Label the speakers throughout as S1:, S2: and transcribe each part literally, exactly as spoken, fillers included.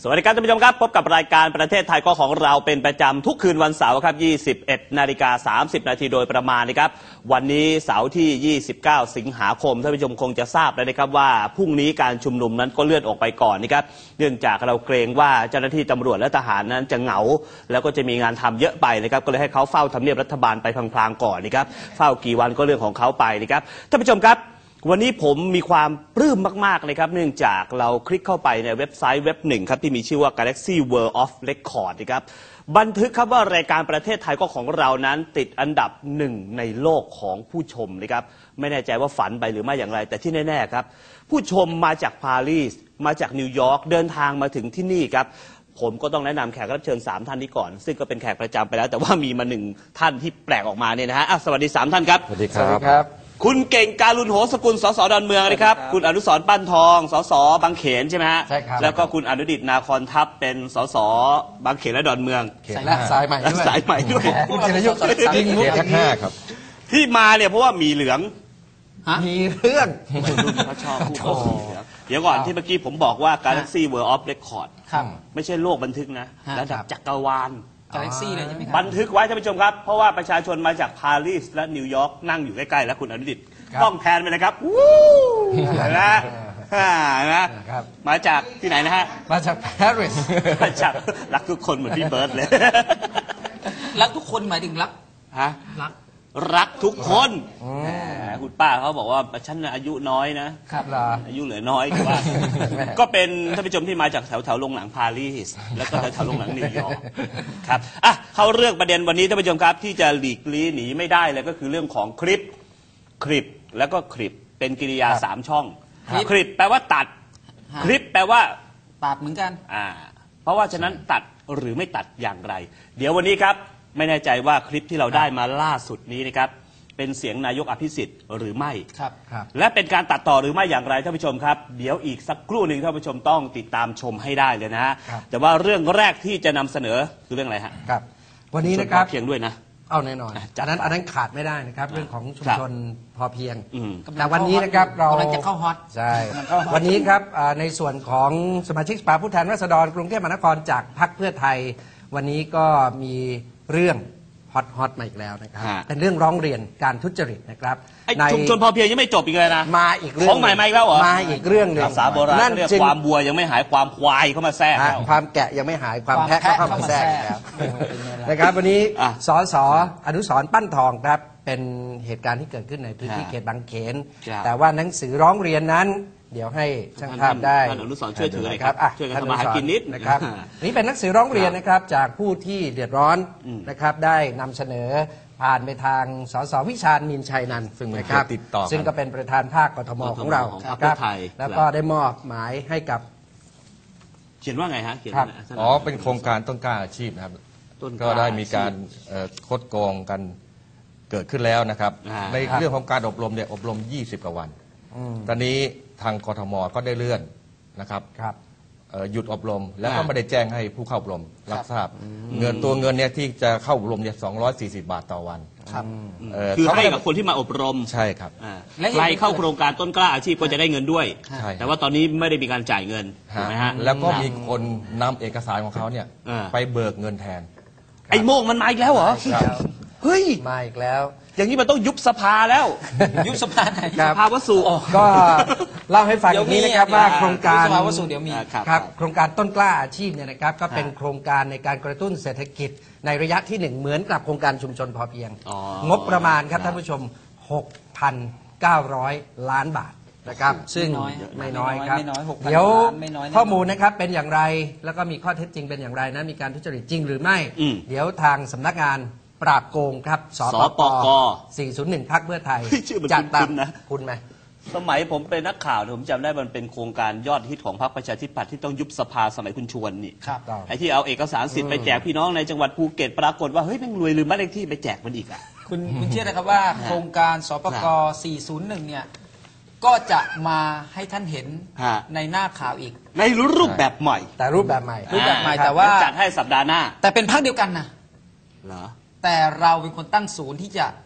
S1: สวัสดีครับท่านผู้ชมครับพบกับรายการประเทศไทยก็ของเราเป็นประจำทุกคืนวันเสาร์ครับยี่สิบเอ็ดนาฬิกาสามสิบนาทีโดยประมาณนะครับวันนี้เสาร์ที่ยี่สิบเก้าสิงหาคมท่านผู้ชมคงจะทราบแล้วนะครับว่าพรุ่งนี้การชุมนุมนั้นก็เลื่อนออกไปก่อนนะครับเนื่องจากเราเกรงว่าเจ้าหน้าที่ตำรวจและทหารนั้นจะเหงาแล้วก็จะมีงานทำเยอะไปนะครับก็เลยให้เขาเฝ้าทำเนียบรัฐบาลไปพลางๆก่อนนะครับเฝ้ากี่วันก็เรื่องของเขาไปนะครับท่านผู้ชมครับวันนี้ผมมีความปลื้มมากๆเลยครับเนื่องจากเราคลิกเข้าไปในเว็บไซต์เว็บหนึ่งครับที่มีชื่อว่า Galaxy World of Record นะครับบันทึกครับว่ารายการประเทศไทยก็ของเรานั้นติดอันดับหนึ่งในโลกของผู้ชมนะครับไม่แน่ใจว่าฝันไปหรือไม่อย่างไรแต่ที่แน่ๆครับผู้ชมมาจากปารีสมาจากนิวยอร์กเดินทางมาถึงที่นี่ครับผมก็ต้องแนะนำแขกรับเชิญสามท่านนี้ก่อนซึ่งก็เป็นแขกประจำไปแล้วแต่ว่ามีมาหนึ่งท่านที่แปลกออกมาเนี่ยนะฮะสวัสดีสามท่านครับ
S2: สวัสดีครับ
S1: คุณเก่งการุณโหสกุลสสดอนเมืองนะครับคุณอนุสรณ์ปั้นทองสสบางเขนใช่ไหมฮะ
S2: ใช่ครับ
S1: แล้วก็คุณอนุดิษฐ์นาคอนทัพเป็นสสบางเขนและดอนเมือง
S2: และสายใหม่ด้วย
S1: สายใหม่ด้วย
S2: คุณจิรยุทธ์จริงมุกทั้งห้าครับ
S1: ที่มาเนี่ยเพราะว่ามีเหลือง
S2: มีเรื่อง
S1: เขาชอบผู้คนเหลืองเดี๋ยวก่อนที่เมื่อกี้ผมบอกว่า Galaxy World of Record ไม่ใช่โลกบันทึกนะระดับจักรวาล
S3: กาแล็กซี่เลยใช่ไหมครับ
S1: บันทึกไว้ท่านผู้ชมครับเพราะว่าประชาชนมาจากปารีสและนิวยอร์กนั่งอยู่ใกล้ๆแล้วคุณอนุดิษฐ์ต้องแทนไปเลยครับวู้นะนะมาจากที่ไหนนะฮะ
S2: มาจากปารีส
S1: มาจากรักทุกคนเหมือนพี่เบิร์ดเลย
S3: รักทุกคนหมายถึงรัก
S1: ฮะ
S3: รัก
S1: รักทุกคนคุณป้าเขาบอกว่าฉันอายุน้อยนะครับอายุเหลือน้อยว่าก็เป็นท่านผู้ชมที่มาจากแถวแถวโรงหนังปารีสแล้วก็แถวแถวโรงหนังนิวยอร์กครับอ่ะเข้าเรื่องประเด็นวันนี้ท่านผู้ชมครับที่จะหลีกลี่หนีไม่ได้เลยก็คือเรื่องของคลิปคลิปแล้วก็คลิปเป็นกริยาสามช่องคลิปแปลว่าตัดคลิปแปลว่า
S3: ตัดเหมือนกัน
S1: อ่าเพราะว่าฉะนั้นตัดหรือไม่ตัดอย่างไรเดี๋ยววันนี้ครับไม่แน่ใจว่าคลิปที่เราได้มาล่าสุดนี้นะครับเป็นเสียงนายกอภิสิทธิ์หรือไม่
S3: ครับ
S1: และเป็นการตัดต่อหรือไม่อย่างไรท่านผู้ชมครับเดี๋ยวอีกสักครู่หนึ่งท่านผู้ชมต้องติดตามชมให้ได้เลยนะฮะแต่ว่าเรื่องแรกที่จะนำเสนอคือเรื่องอะไรฮะ
S2: ครับวันนี้นะครับ
S1: เพียงด้วยนะ
S2: เอาแน่นอนอันนั้นอันนั้นขาดไม่ได้นะครับเรื่องของชุมชนพอเพียงแต่วันนี้นะครับเรา
S3: กำลังจะเข้าฮอต
S2: ใช่วันนี้ครับในส่วนของสมาชิกสภาผู้แทนราษฎรกรุงเทพมหานครจากพรรคเพื่อไทยวันนี้ก็มีเรื่องฮอตฮอตมาอีกแล้วนะครับเป็นเรื่องร้องเรียนการทุจริตนะครับ
S1: ในชุมชนพอเพียงยังไม่จบอีกเลยนะ
S2: มาอีกเรื่อง
S1: ของใหม่มาอีกแล้วเหรอ
S2: มาอีกเรื่องหนึ่ง
S1: ภาษาโบราณเรียกความบัวยังไม่หายความควายเข้ามาแทรก
S2: ความแกะยังไม่หายความแพะก็เข้ามาแทรกแล้วนะครับวันนี้สสอนุสรณ์ปั้นทองครับเป็นเหตุการณ์ที่เกิดขึ้นในพื้นที่เขตบางเขนแต่ว่าหนังสือร้องเรียนนั้นเดี๋ยวให้ช่างภาพได้
S1: ท่านอนุสรณ์ช่วยถือเลยครับช่วยกันทำมาหากินนิด
S2: นะครับนี่เป็นหนังสือร้องเรียนนะครับจากผู้ที่เดือดร้อนนะครับได้นำเสนอผ่านไปทางสสวิชาญมีนชัยนันท์ซึ่งนะครับซึ่งก็เป็นประธานภาคกทมของเราครับแล้วก็ได้มอบหมายให้กับ
S1: เขียนว่าไงฮะเขียน
S4: อ๋อเป็นโครงการต้นกล้าอาชีพนะครับก็ได้มีการคดโกงกันเกิดขึ้นแล้วนะครับในเรื่องของการอบรมเนี่ยอบรมยี่สิบกว่าวันตอนนี้ทางกทมก็ได้เลื่อนนะครับหยุดอบรมแล้วก็ไม่ได้แจ้งให้ผู้เข้าอบรมรับทราบเงินตัวเงินเนี่ยที่จะเข้าอบรมเนี่ยสองร้อยสี่สิบบาทต่อวัน
S1: คือให้กับคนที่มาอบรม
S4: ใช่ครับ
S1: ใครเข้าโครงการต้นกล้าอาชีพก็จะได้เงินด้วยแต่ว่าตอนนี้ไม่ได้มีการจ่ายเงินถูกไหมฮะ
S4: แล้วก็มีคนนำเอกสารของเขาเนี่ยไปเบิกเงินแทน
S1: ไอ้โม่งมันมาอีกแล้วเหรอเฮ้ย
S2: มาอีกแล้ว
S1: อย่างนี้มันต้องยุบสภาแล้ว
S3: ยุบสภาไหน
S1: สภาวสุ
S2: ก็เล่าให้ฟังอย่างนี้นะครับว่าโครงการ
S3: สภาวสุเดี๋ยวมี
S2: ครับโครงการต้นกล้าอาชีพเนี่ยนะครับก็เป็นโครงการในการกระตุ้นเศรษฐกิจในระยะที่หนึ่งเหมือนกับโครงการชุมชนพอเพียงงบประมาณครับท่านผู้ชม หกพันเก้าร้อย ล้านบาทนะครับซึ่งไม่น้อยครับเดี๋ยวข้อมูลนะครับเป็นอย่างไรแล้วก็มีข้อเท็จจริงเป็นอย่างไรนะมีการทุจริตจริงหรือไม่เดี๋ยวทางสำนักงานปราบโกงครับสปกสี่ศูนย์หนึ่งพรรคเพื่อไทย
S1: จัดตาม
S2: นะคุณไหม
S1: สมัยผมเป็นนักข่าวผมจำได้มันเป็นโครงการยอดฮิตของพรรคประชาธิปัตย์ที่ต้องยุบสภาสมัยคุณชวนนี่ไอ้ที่เอาเอกสารสิทธิ์ไปแจกพี่น้องในจังหวัดภูเก็ตปรากฏว่าเฮ้ยแม่งรวยลืมบ้านเลขที่ไปแจกมันอีกอ่ะ
S3: คุณคุณเชื่อนะครับว่าโครงการสปกสี่ศูนย์หนึ่งเนี่ยก็จะมาให้ท่านเห็นในหน้าข่าวอีก
S1: ในรูปแบบใหม่
S2: แต่รูปแบบใหม่
S3: รูปแบบใหม่แต่ว่า
S1: จัดให้สัปดาห์หน้า
S3: แต่เป็นพรรคเดียวกันนะ
S1: เหรอ
S3: แต่เราเป็นคนตั้งศูนย์ที่จะ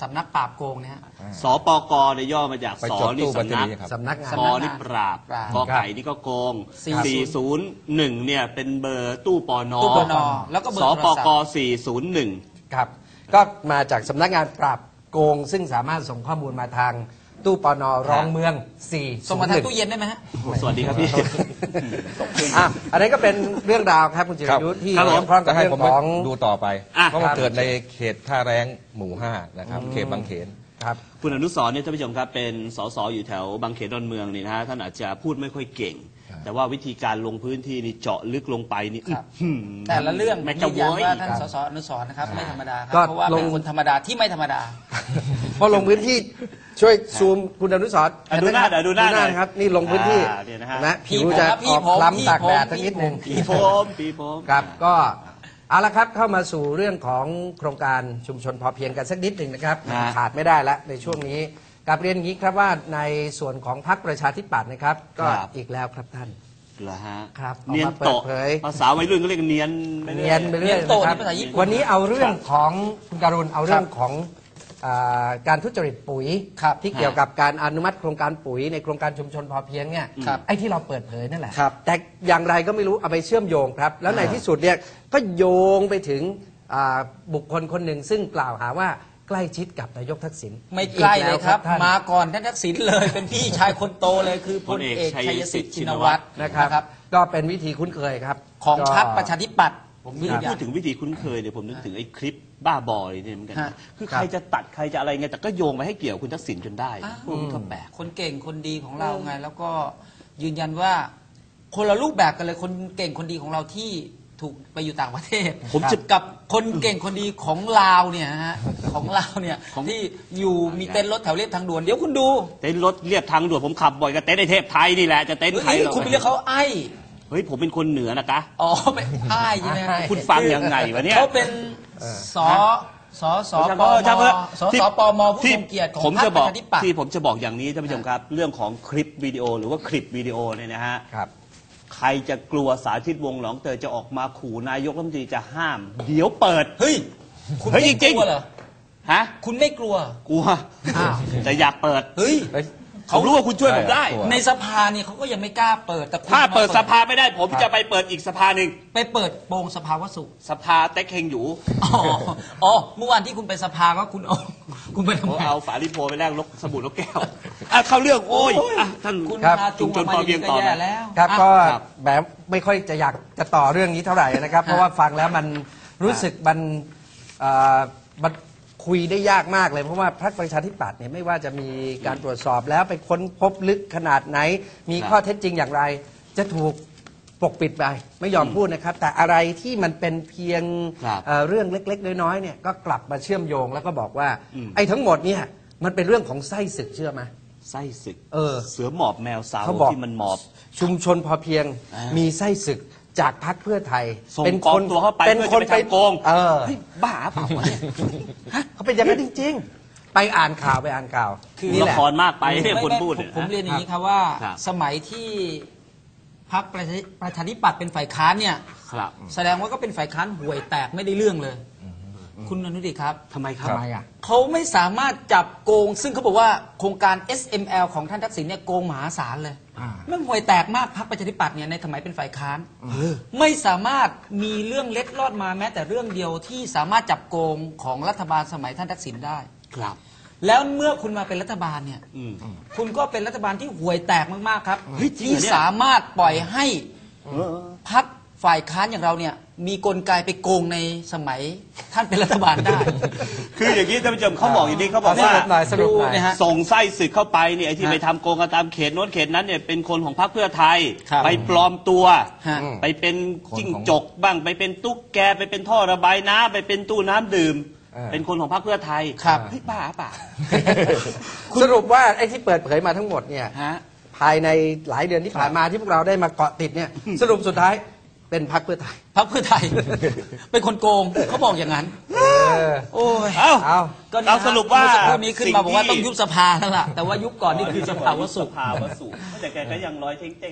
S3: สำนักปราบโกงเนี่ยฮะ
S1: สปกเนี่ยย่อมาจาก
S4: ไป
S1: ส
S4: จด
S1: นี่
S4: ตู้บัญ
S1: สำ
S4: ชี
S1: นัก
S4: ครับ
S2: สำนักงาน
S1: ปนี่ปราบ
S3: ปราบ
S1: กไก่นี่ก็โกง
S3: ครับ
S1: สี่ศูนย์หนึ่งเนี่ยเป็นเบอร์ตู้ปน
S3: ตู้ปนแล้วก็เบอร์
S1: ส
S3: โทร
S1: ป
S3: ศัพ
S1: ก
S3: ท์
S1: สี่ศูนย์หนึ่ง
S2: ครับก็มาจากสำนักงานปราบโกง ซึ่งสามารถส่งข้อมูลมาทางตู้ปนรองเมืองสี่
S3: ส่งมาทางตู้เย็นได้ไหมฮะ
S1: สวัสดีครับพี่
S2: อ่ะอันนี้ก็เป็นเรื่องราวครับคุณจิรยุทธ์ที่
S1: ครับผม
S2: เกี่ยวข้องกับ
S4: จะให้
S2: เรื่อ
S4: ผม
S2: งของ
S4: ดูต่อไป
S1: อ่ะ
S4: เพราะมัน
S2: ครับ
S4: เกิดในเขตท่าแรงหมู่ห้านะครับเขตบางเขน
S2: ครับ
S1: คุณอนุสรณ์เนี่ยท่านผู้ชมครับเป็นสสอยู่แถวบางเขนดอนเมืองนี่นะฮะท่านอาจจะพูดไม่ค่อยเก่ง แต่ว่าวิธีการลงพื้นที่นี่เจาะลึกลงไปนี่
S3: ครับ
S1: อื้อหือ
S3: แต่ละเรื่อง
S1: แม่
S3: ยื
S1: จะ
S3: น
S1: โว
S3: ยัน
S1: ย
S3: ว่าท่านสสอนุสรณ์นะครับไม่ธรรมดาครั
S2: ก็
S3: บเพราะว่า
S2: ล
S3: เป็
S2: ง
S3: นคนธรรมดาที่ไม่ธรรมดา
S2: พอลงพื้นที่ช่วยซูมคุณอนุสรณ์
S1: อ่ะดูหน้าเดี๋ยวดูหน้าหน่อย
S2: นะครับนี่ลงพื้นที่
S1: อ่าเนี่ยนะฮะ
S2: นะ
S3: พี่
S2: ผิว
S3: ผม
S2: จะ
S3: ครับพี่
S2: ออก
S3: ผม
S2: คล้ำ
S3: พี่
S2: ตากแดด
S3: ผม
S2: สักนิดหนึ่ง
S1: ปีโฟมปีโฟม
S2: ครับก็เอาละครับเข้ามาสู่เรื่องของโครงการชุมชนพอเพียงกันสักนิดหนึ่งนะครับ
S1: ฮะ
S2: ขาดไม่ได้แล้วในช่วงนี้กลับเรียนอย่างนี้ครับว่าในส่วนของพรรคประชาธิปัตย์นะครับก็อีกแล้วครับท่าน
S1: เหรอฮะ
S2: ครับ
S1: เนียน
S2: ออกมาเปิด
S1: โตะ
S2: เผย
S1: ภาษาวัยรุ่นก็เรียกเนียนไปรื่อ
S2: เนียนไปเรื่อย
S3: เนียนโต
S2: นะครับ
S3: ในภาษาญี่ปุ่น
S2: วันนี้เอาเรื่องของคุณการุณเอาเรื่องของอ่าการทุจริตปุ๋ย
S3: ครับ
S2: ที่เกี่ยวกับการอนุมัติโครงการปุ๋ยในโครงการชุมชนพอเพียงเนี่ย
S3: ครับ
S2: ไอ้ที่เราเปิดเผยนั่นแหละ
S3: ครับ
S2: แต่อย่างไรก็ไม่รู้เอาไปเชื่อมโยงครับ แล้วในที่สุดเนี่ยก็โยงไปถึงอ่าบุคคลคนหนึ่งซึ่งกล่าวหาว่าใกล้ชิดกับนายกทักษิณ
S3: ไม่ใกล้เลยครับ
S2: อีกแล้วท่าน
S3: มาก่อนท่านทักษิณเลย เป็นพี่ชายคนโตเลยคือพลเอกชัยสิทธิ์ชินวัตร
S2: นะครับ ก็เป็นวิธีคุ้นเคยครับ
S3: ของ
S2: ก็
S3: พรรคประชาธิปัตย์ผม
S1: นี่
S3: ยืนยั
S1: พู
S3: น
S1: ดถึงวิธีคุ้นเคยเนี่ยผมนึกถึงไอ้คลิปบ้าบอยเนี่ยเหมือนกัน
S3: ฮะ
S1: นะคือใครจะตัดใครจะอะไรไงแต่ก็โยงไปให้เกี่ยวคุณทักษิณจนได้
S3: อ้าว
S1: พวกนี้ก็แปลก
S3: คนเก่งคนดีของเราไง แล้วก็ยืนยันว่าคนละรูปแบบกันเลยคนเก่งคนดีของเราที่ถูกไปอยู่ต่างประเทศ
S1: ผมจะ
S3: กับคนเก่งคนดีของลาวเนี่ยฮะของลาวเนี่ย
S1: ของ
S3: ที่อยู่มีเต้นรถแถวเรียบทางด่วนเดี๋ยวคุณดู
S1: เต้นรถเรียบทางด่วนผมขับบ่อยกับเต้นในเทพไทยนี่แหละจะเต้น
S3: เฮ้ย
S1: ไทยหรอ
S3: คุณไปเรียกเขาไอ้
S1: เฮ้ยผมเป็นคนเหนือนะคะ
S3: อ๋อไม่ไอ้ใช่ไหม
S2: อ้าย
S1: คุณฟังยังไงวะเนี่ย
S3: เขาเป็นสอสอสอป
S1: เออช่าง
S3: ม
S1: เถอะ
S3: สอ
S1: ที่
S3: สอปมผู้
S1: ที่
S3: ทรงเกียรติของ
S1: ผม
S3: พรร
S1: จะ
S3: คป
S1: บ
S3: ระ
S1: อก
S3: ชาธิปัตย์
S1: ที่ผมจะบอกอย่างนี้ท่านผู้ชมครับ เรื่องของคลิปวิดีโอหรือว่าคลิปวิดีโอเนี่ยนะฮะ
S2: ครับ
S1: ใครจะกลัวสาธิตวงศ์หนองเตยจะออกมาขู่นายกรัฐมนตรีจะห้าม เดี๋ยวเปิด
S3: เฮ้ย คุณ
S1: เฮ้ย
S3: ไม่
S1: จริ
S3: ก
S1: งๆ
S3: ลัวเหรอ
S1: ฮะ
S3: คุณไม่กลัว
S1: กลัว
S3: อ้าว
S1: แต่อยากเปิด
S3: เฮ้ย
S4: เอ้ย
S1: เขารู้ว่าคุณช่วยผมได้
S4: กลัว
S3: ในสภาเนี่ยเขาก็ยังไม่กล้าเปิดแต่คุณ
S1: ถ้าเปิด
S3: ม
S1: สภาไม่ได้ ผมจะไปเปิดอีกสภาหนึ่ง
S3: ไปเปิดโปงสภาวสุข
S1: สภาเต็กเฮงอยู่
S3: อ๋ออ๋อเมื่อวานที่คุณไปสภาก็คุณเอาคุณไปทำ
S1: ผม
S3: ไม
S1: เอาฝาลิโพไปแลกลกสบู่ลกแก้วอ่ะเข้าเรื่องโอ้ยอ่ะท่าน
S3: คุณ
S2: ครับ
S3: พาจุงออกมาอย่างนี้ก็แย่แล้ว
S2: ครับ
S3: อ่ะ
S2: ก็
S1: ครับ
S2: แบบไม่ค่อยจะอยากจะต่อเรื่องนี้เท่าไหร่นะครับ เพราะว่าฟังแล้วมันรู้สึกมันเอ่อมันคุยได้ยากมากเลย เพราะว่าพรรคประชาธิปัตย์เนี่ยไม่ว่าจะมีการตรวจสอบแล้วไปค้นพบลึกขนาดไหน มีข้อเท็จจริงอย่างไร จะถูกปกปิดไปไม่ยอมพูดนะครับ แต่อะไรที่มันเป็นเพียง
S1: ครับ
S2: เอ่อเรื่องเล็ก ๆ น้อยๆเนี่ยก็กลับมาเชื่อมโยงแล้วก็บอกว่า
S1: อืม
S2: ไอ้ทั้งหมดเนี่ยมันเป็นเรื่องของไส้ศึกเชื่อไหม
S1: ไส้ศึก
S2: เออ
S1: เสือหมอบแมวสาว
S2: เขาบอก
S1: ที่มันหมอบ
S2: ชุมชนพอเพียง
S1: อ่ามี
S2: มีไส้ศึกจากพรรคเพื่อไทย
S1: ส่งกองตัวเข้าไป
S2: เป็น
S1: เพื่อ
S2: คน
S1: จะไปทำโกง
S2: เออ
S1: เฮ้ยบ้าเปล่าวะเนี่ย
S2: เขาเป็นอย่างนั้นจริง ๆ ไปอ่านข่าวไปอ่านข่าว
S3: คือ
S2: นี่
S1: ละ
S2: แหละ
S1: ครมากไปเนี่ย
S3: ไม่
S1: คน
S3: ไม่
S1: พูด
S3: ผม
S1: เนี่ย
S3: ผมเรียนอย่างนี้
S1: ค
S3: ครับ รับว่า
S1: ครับ
S3: สมัยที่พรรคประชาประชาธิปัตย์เป็นฝ่ายค้านเนี่ย
S1: ครับ
S3: แสดงว่าก็เป็นฝ่ายค้านห่วยแตกไม่ได้เรื่องเลย คุณอนุดิตครับ
S1: ทำไมครับ
S2: ทำไมอ่ะ
S3: เขาไม่สามารถจับโกง ซึ่งเขาบอกว่าโครงการ เอส เอ็ม แอล ของท่านทักษิณเนี่ยโกงมหาศาลเลย
S2: อ่า
S3: มันห่วยแตกมากพรรคประชาธิปัตย์เนี่ยในสมัยเป็นฝ่ายค้านไม่สามารถมีเรื่องเล็ดลอดมาแม้แต่เรื่องเดียวที่สามารถจับโกงของรัฐบาลสมัยท่านทักษิณได้
S1: ครับ
S3: แล้วเมื่อคุณมาเป็นรัฐบาลเนี่ย
S1: อืม
S3: คุณก็เป็นรัฐบาลที่ห่วยแตกมากๆครับ
S1: เฮ้ยจริงเหร
S3: ที่
S1: อเนี่ย
S3: สามารถปล่อยให้พรรคฝ่ายค้านอย่างเราเนี่ยมีกลไกไปโกงในสมัยท่านเป็นรัฐบาลได้
S1: คืออย่างนี้ท่านผู้ชมเขาบอกอย่างนี้เขาบอก
S2: ส
S1: ว่า
S2: รุปหน่อยสรุปหน่อย
S3: ดูนะฮะ
S1: ส่งไส้ศึกเข้าไปเนี่ยไอ้ที่
S3: ฮะ
S1: ไปทำโกงกันตามเขตโน้นเขตนั้นเนี่ยเป็นคนของพรรคเพื่อไทย
S3: ครับ
S1: ไปปลอมตัว
S3: ฮะ
S1: ไปเป็นจิ้ง
S4: คนของ
S1: จกบ้างไปเป็นตุ๊กแกไปเป็นท่อระบายน้ำไปเป็นตู้น้ำดื่ม
S2: เออ
S1: เป็นคนของพรรคเพื่อไทย
S3: ครับ
S1: เฮ้ยบ้าเปล่า
S2: สรุปว่าไอ้ที่เปิดเผยมาทั้งหมดเนี่ย
S1: ฮะ
S2: ภายในหลายเดือนที่ผ่านมาที่พวกเราได้มาเกาะติดเนี่ย สรุปสุดท้ายเป็นพรรคเพื่อไทย
S3: พรรคเพื่อไทย เป็นคนโกงเขาบอกอย่างนั้น
S2: เออ
S3: โอ้ย
S1: เอ้า
S2: เอา
S3: ก็นี่
S1: เราสรุปว่า
S3: เมื่อสักครู่นี้ขึ้นมาบอกว่า
S1: สิ่งที่
S3: ต้องยุบสภาแล้วล่ะแต่ว่ายุบก่อนนี่คือสภาวสุข
S1: สภาวสุขแต่แกก็ยังร้อยเท่ง